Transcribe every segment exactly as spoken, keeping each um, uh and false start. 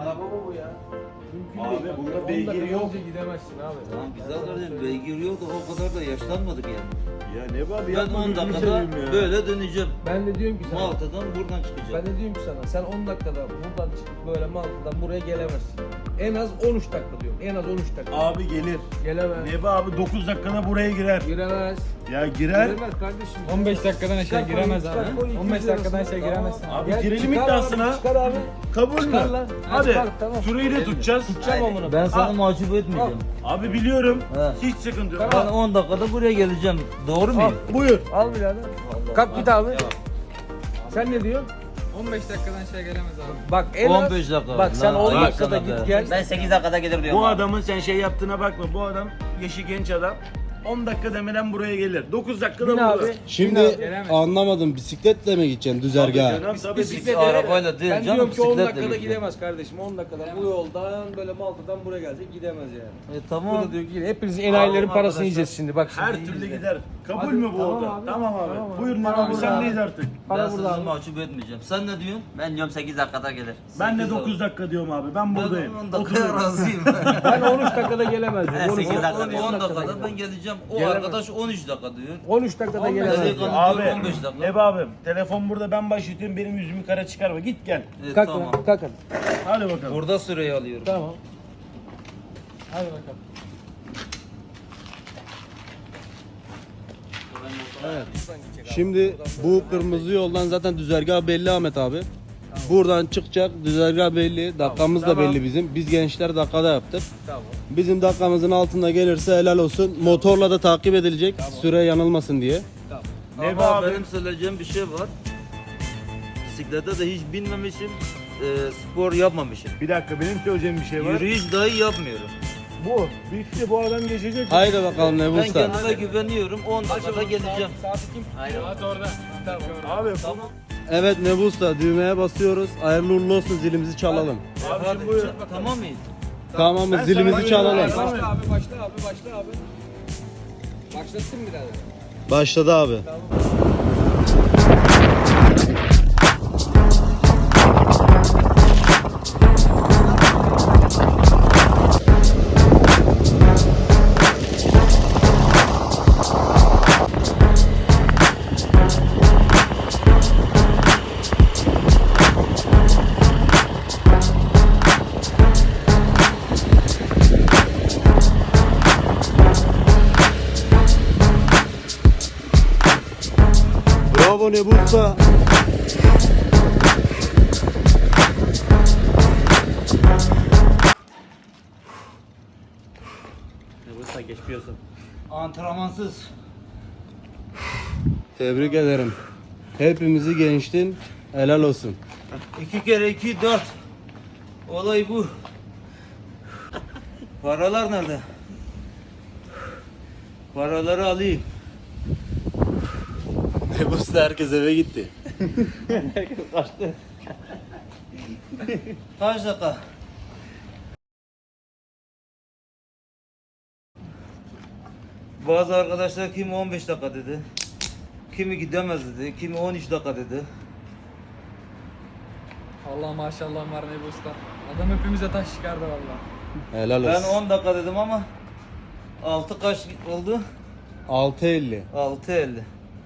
araba mı bu ya? Abi bunda beygir yok. Gidemezsin abi. Tamam güzel kardeşim, beygir yok da o kadar da yaşlanmadık yani. Ya ne var Ben yapma on gözünü dakikada seveyim ya. böyle döneceğim. Ben de diyorum ki sana. Malta'dan buradan Ben çıkacağım. de diyorum ki sana sen on dakikada buradan çıkıp böyle Malta'dan buraya gelemezsin. En az on üç dakika diyorum. En az on üç dakika. Abi gelir. Gelemez. Neba abi dokuz dakikada buraya girer. Giremez. Ya girer. Giremez kardeşim. on beş dakikadan aşağı Çıkar giremez koy, abi. çıkar koy, on beş iki yüz dakikadan lirasını. aşağı giremezsin. Tamam. Abi Gel, girelim çıkar iddiasına. abi, Çıkar abi. Kabul mü? Çıkar lan. Hadi. Çıkar, tamam. Süreyi de tutacağız. Tutacağım onu. Ben sana Al. mahcup etmeyeceğim. Abi biliyorum. He. Hiç sıkıntı yok. Ben Al. on dakikada buraya geleceğim. Doğru Al. muyum? Buyur. Al birader. Kalk git abi. Sen ne diyorsun? on beş dakikadan aşağı gelemez abi. Bak en az. on beş dakika. Bak sen Lan, on bak dakikada sana be. git gel. Ben sekiz dakikada gelir diyorum. Bu abi. adamın sen şey yaptığına bakma. Bu adam yaşı genç adam. on dakika demeden buraya gelir. dokuz dakikada Bin burada. abi. Şimdi Gelemez. anlamadım, bisikletle mi gideceksin Tabii düzergaha? canım, tabii Bisikletle arabayla değil ben canım, diyorum ki on bisikletle dakikada gideceğim. gidemez kardeşim. on dakikada bu yoldan böyle Malta'dan buraya gelecek gidemez yani. E Bu tamam. da diyor ki hepinizin enayilerin Tamam parasını arkadaşlar. yiyeceğiz şimdi bak şimdi. Her iyi türlü izle. gider. Kabul Hadi, mü bu tamam oda? abi. Tamam abi. Tamam abi. Buyurun Para abi burada sendeyiz abi. artık. Para Ben burada sizi abi. mahcup etmeyeceğim. Sen ne diyorsun? Ben diyorum sekiz dakikada gelir. Ben de sekiz dokuz dakika diyorum abi. Ben buradayım. Ben on dakikaya Oturuyorum. razıyım. Ben on üç dakikada gelemez diyorum. Evet, on üç sekiz dakika on üç diyor. on dakikada dakikada gelemez. ben geleceğim. O Gelemez. arkadaş on üç dakika diyor. on üç dakikada on beş gelemez. dakika. diyor. Abi, on beş dakika. Neba abim telefon burada ben başlatıyorum benim yüzümü kara çıkarma git gel. E, Kalk tamam. lan kalk hadi. Hadi bakalım. Burada süreyi alıyorum. Tamam. Hadi bakalım. Şimdi bu kırmızı yoldan zaten düzergah belli Ahmet abi. Buradan çıkacak, düzergah belli, dakikamız da Tamam. belli bizim. Biz gençler dakikada yaptık. Tamam. Bizim dakikamızın altında gelirse helal olsun. Motorla da takip edilecek, süre yanılmasın diye. Neba Ama abi. benim söyleyeceğim bir şey var. Bisiklete de hiç binmemişim. e, spor yapmamışım. Bir dakika benim söyleyeceğim bir şey var. Yürüyüş dahi yapmıyorum. Bu. Bitti bu adam geçecek. Haydi bakalım ne Ben Usta. kendime güveniyorum. on dakikada geleceğim. Saati kim? Aynen. Saat orada. Tamam. Abi, Tamam. Evet Nebu Usta, düğmeye basıyoruz. Hayırlı uğurlu olsun, zilimizi çalalım. Abi Hadi şimdi buyur. çık- tamam mıyız? Tamam mı? Ben Zilimizi sana çalalım. güveniyorum. Başla abi başla abi başla abi. Başlattın mı birader? Başladı abi. Bravo Nebu Usta. Usta geçmiyorsun. Antrenmansız. Tebrik ederim. Hepimizi gençtin. Helal olsun. İki kere iki dört. Olay bu. Paralar nerede? Paraları alayım. Nebu Usta herkes eve gitti. Kaç dakika? Bazı arkadaşlar kimi on beş dakika dedi. Kimi gidemez dedi. Kimi on üç dakika dedi. Allah maşallah var ne bu usta. Adam hepimize taş çıkardı valla. Helal Ben olsun. on dakika dedim ama altı kaç oldu? altı elli. altı elli.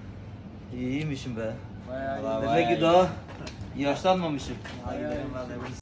İyiymişim be. Bayağı iyi. Demek ki daha yaşlanmamışım. Hadi gidelim vallahi.